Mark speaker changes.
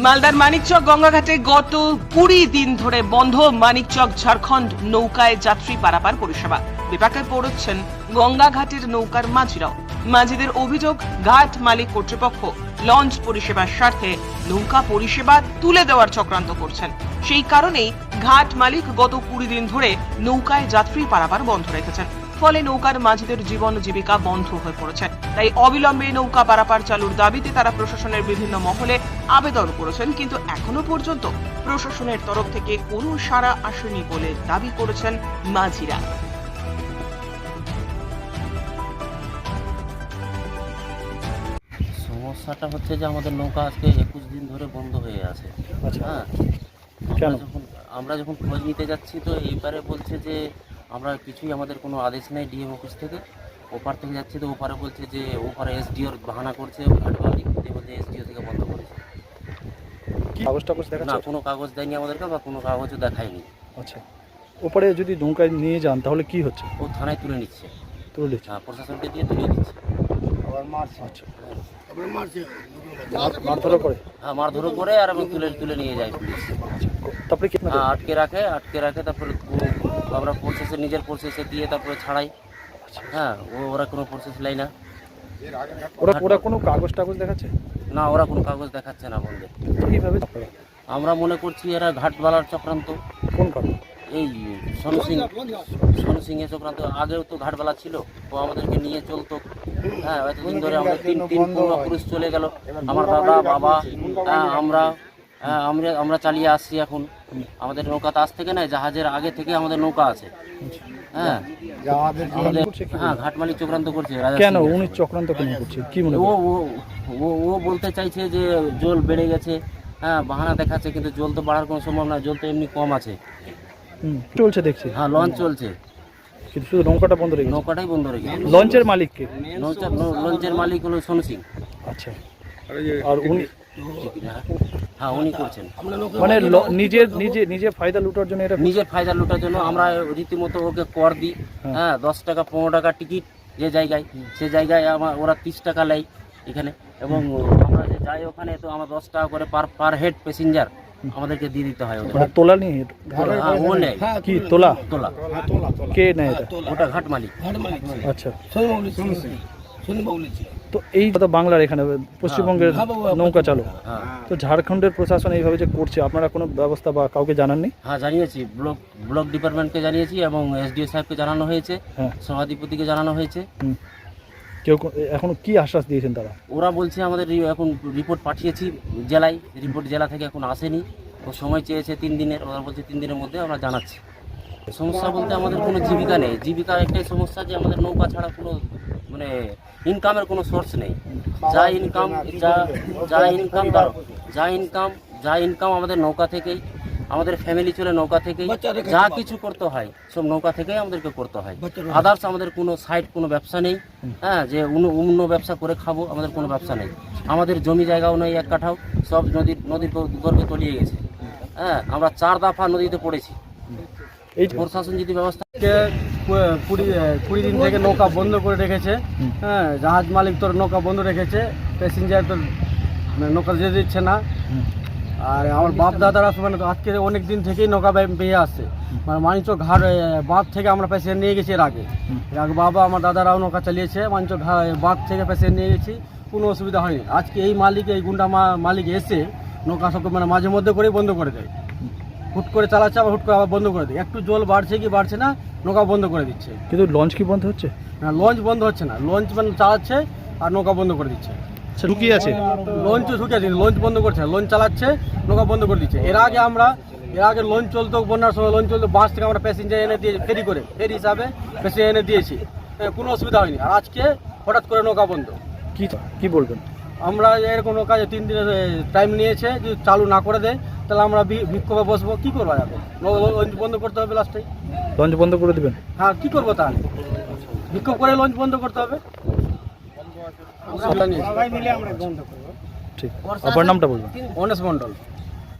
Speaker 1: মালদার মানিকচক গঙ্গাঘাটে গত 20 দিন ধরে বন্ধ মানিকচক ঝাড়খণ্ড নৌকায় যাত্রী পারাপার পরিষেবা। বিপাকে পড়েছেন গঙ্গাঘাটের নৌকার মাঝিরাও। মাঝিদের অভিযোগ, ঘাট মালিক কর্তৃপক্ষ লঞ্চ পরিষেবার স্বার্থে নৌকা পরিষেবা তুলে দেওয়ার চক্রান্ত করছেন। সেই কারণেই ঘাট মালিক গত 20 দিন ধরে নৌকায় যাত্রী পারাপার বন্ধ রেখেছেন। ফলে নৌকার মাঝিদের জীবন জীবিকা বন্ধ হয়ে পড়েছে। তাই অবিলম্বে নৌকা পারাপার চালুর দাবিতে তারা প্রশাসনের বিভিন্ন মহলে আবেদন করেছেন, কিন্তু এখনো পর্যন্ত প্রশাসনের তরফ থেকে কোনো সাড়া আসেনি বলে দাবি করেছেন মাঝিরা।
Speaker 2: সমস্যাটা হচ্ছে যে আমাদের নৌকা আজকে 21 দিন ধরে বন্ধ হয়ে আছে। হ্যাঁ, আমরা যখন খোঁজ নিতে যাচ্ছি তো এইবারে বলছে যে আমরা কিছুই, আমাদের কোনো আদেশ নেই ডিএম অফিস থেকে। ওপার থেকে যাচ্ছি তো ওপারে বলছে যে ওপারে এসডিওর বাহানা করছে, ঘাট মালিক বলছে এসডিও থেকে বন্ধ করেছে। না, কোনো কাগজ দেয়নি আমাদেরকে বা কোনো কাগজও দেখায়নি।
Speaker 3: আচ্ছা, ওপারে যদি নৌকায় নিয়ে যান তাহলে কি হচ্ছে?
Speaker 2: ও থানায় তুলে নিচ্ছে,
Speaker 3: হ্যাঁ,
Speaker 2: প্রশাসনকে দিয়ে তুলে দিচ্ছে।
Speaker 3: আচ্ছা, মারধরও করে?
Speaker 2: হ্যাঁ, মারধরও করে আর এবং তুলে নিয়ে যায় পুলিশ।
Speaker 3: তারপরে কি
Speaker 2: আটকে রাখে তারপরে আমরা প্রসেসে নিজের প্রসেসে দিয়ে তারপরে ছাড়াই। হ্যাঁ, ওরা কোনো প্রসেস নেয় না।
Speaker 3: ওরা কোনো কাগজ টাগজ দেখাচ্ছে
Speaker 2: না, ওরা কোনো কাগজ দেখাচ্ছে না বন্ধে।
Speaker 3: কিভাবে?
Speaker 2: আমরা মনে করছি এরা ঘাটবালার চক্রান্ত।
Speaker 3: কোন কাগজ?
Speaker 2: এই সোনু সিং এর চক্রান্ত। আগেও তো ঘাটবালা ছিল, ও আমাদেরকে নিয়ে চলতো। হ্যাঁ, এতদিন ধরে আমাদের তিন পূর্বপুরুষ চলে গেল, আমার দাদা বাবা, আমরা চালিয়ে আসছি। এখন আমাদের নৌকাতে আজ থেকে নয়, জাহাজের আগে থেকে আমাদের নৌকা আছে। হ্যাঁ, হ্যাঁ, ঘাট মালিক চক্রান্ত করছে।
Speaker 3: কেন উনি চক্রান্ত কেন করছে? কি মনে হয়?
Speaker 2: ও বলতে চাইছে যে জল বেড়ে গেছে। হ্যাঁ, বাহানা দেখাচ্ছে, কিন্তু জল তো বাড়ার কোনো সম্ভব না, জল তো এমনি কম আছে।
Speaker 3: চলছে দেখছি।
Speaker 2: হ্যাঁ, লঞ্চ চলছে,
Speaker 3: কিন্তু শুধু নৌকাটা বন্ধ রেখেছে।
Speaker 2: নৌকাটাই বন্ধ রেখেছে।
Speaker 3: লঞ্চের মালিক কে?
Speaker 2: লঞ্চের মালিক হলো সোনু সিং।
Speaker 3: আচ্ছা, আর উনি?
Speaker 2: হ্যাঁ, উনি করছেন।
Speaker 3: মানে নিজের ফায়দা লুটার জন্য এটা?
Speaker 2: নিজের ফায়দা লুটার জন্য আমরা রীতিমতো ওকে কর দিই। হ্যাঁ, 10 টাকা 15 টাকা টিকিট যে জায়গায়, সে জায়গায় ওরা 30 টাকা নেয় এখানে, এবং আমরা যে যাই ওখানে তো আমার 10 টাকা করে পার হেড প্যাসেঞ্জার আমাদেরকে দিয়ে দিতে হয়।
Speaker 3: তোলা নেই?
Speaker 2: ও নেয়।
Speaker 3: কি তোলা? কে নেয় এটা?
Speaker 2: ওটা ঘাট মালিক।
Speaker 3: আচ্ছা, তো এই কথা বাংলার এখানে পশ্চিমবঙ্গের নৌকা চালক, তো ঝাড়খণ্ডের প্রশাসন এইভাবে যে করছে, আপনারা কোনো ব্যবস্থা বা কাউকে জানাননি?
Speaker 2: হ্যাঁ, জানিয়েছি, ব্লক ডিপার্টমেন্টকে জানিয়েছি এবং এসডিও সাহেবকে জানানো হয়েছে, সভাধিপতিকে জানানো হয়েছে।
Speaker 3: কেউ এখন কি আশ্বাস দিয়েছেন তারা?
Speaker 2: ওরা বলছে আমাদের এখন রিপোর্ট পাঠিয়েছি জেলায়, রিপোর্ট জেলা থেকে এখন আসেনি, ও সময় চেয়েছে 3 দিনের। ওরা বলছে 3 দিনের মধ্যে আমরা জানাচ্ছি। সমস্যা বলতে আমাদের কোনো জীবিকা নেই। জীবিকার একটাই সমস্যা যে আমাদের নৌকা ছাড়া কোনো মানে ইনকামের কোনো সোর্স নেই। যা ইনকাম আমাদের নৌকা থেকেই, আমাদের ফ্যামিলি চলে নৌকা থেকেই, যা কিছু করতে হয় সব নৌকা থেকেই আমাদেরকে করতে হয়। আদার্স আমাদের কোনো সাইড, কোনো ব্যবসা নেই। হ্যাঁ, যে অন্য ব্যবসা করে খাবো, আমাদের কোনো ব্যবসা নেই। আমাদের জমি জায়গাও নেই এক কাঠাও, সব নদীর গর্ভে তলিয়ে গেছে। হ্যাঁ, আমরা 4 দফা নদীতে পড়েছি। এই প্রশাসন যদি ব্যবস্থা
Speaker 4: 20 দিন থেকে নৌকা বন্ধ করে রেখেছে। হ্যাঁ, জাহাজ মালিক তোর নৌকা বন্ধ রেখেছে, প্যাসেঞ্জার তোর নৌকা যেতে দিচ্ছে না। আর আমার বাপ দাদারা মানে আজকে অনেক দিন থেকেই নৌকা পেয়ে আসছে। মানে মানিকচক ঘাট বাঁধ থেকে আমরা প্যাসেঞ্জার নিয়ে গেছি এর আগে বাবা আমার দাদারাও নৌকা চালিয়েছে। মানিকচক বাঁধ থেকে প্যাসেঞ্জার নিয়ে গেছি, কোনো অসুবিধা হয়নি। আজকে এই গুন্ডা মালিক এসে নৌকা সবকে মানে মাঝে মধ্যে করেই বন্ধ করে দেয়। হুট করে চালাচ্ছে, আবার হুট করে আবার বন্ধ করে দেয়। একটু জল বাড়ছে কি বাড়ছে না, নৌকা বন্ধ করে দিচ্ছে।
Speaker 3: কিন্তু লঞ্চ কি বন্ধ হচ্ছে?
Speaker 4: না, লঞ্চ বন্ধ হচ্ছে না, লঞ্চ মানে চালাচ্ছে আর নৌকা বন্ধ করে দিচ্ছে।
Speaker 3: ঢুকিয়ে আছে
Speaker 4: লঞ্চও ঢুকে আছে, লঞ্চ বন্ধ করছে, লঞ্চ চালাচ্ছে, নৌকা বন্ধ করে দিচ্ছে। এর আগে লঞ্চ চলতো, বন্যার সময় লঞ্চ চলতো, বাস থেকে আমরা প্যাসেঞ্জার এনে দিয়ে ফেরি হিসাবে প্যাসেঞ্জার এনে দিয়েছি, কোনো অসুবিধা হয়নি। আর আজকে হঠাৎ করে নৌকা বন্ধ।
Speaker 3: কি বলবেন?
Speaker 4: আমরা এরকম নৌকা 3 দিনের টাইম নিয়েছে, যদি চালু না করে দেয় তাহলে আমরা বিক্ষোভে বসবো। কি করবো যাবে? লঞ্চ বন্ধ করতে হবে লাস্টে।
Speaker 3: লঞ্চ বন্ধ করে দেবেন?
Speaker 4: হ্যাঁ, কি করবো তাহলে? বিক্ষোভ করে লঞ্চ বন্ধ করতে হবে।
Speaker 3: ঠিক, আপনার নামটা বলবেন?
Speaker 4: অনেশ মন্ডল।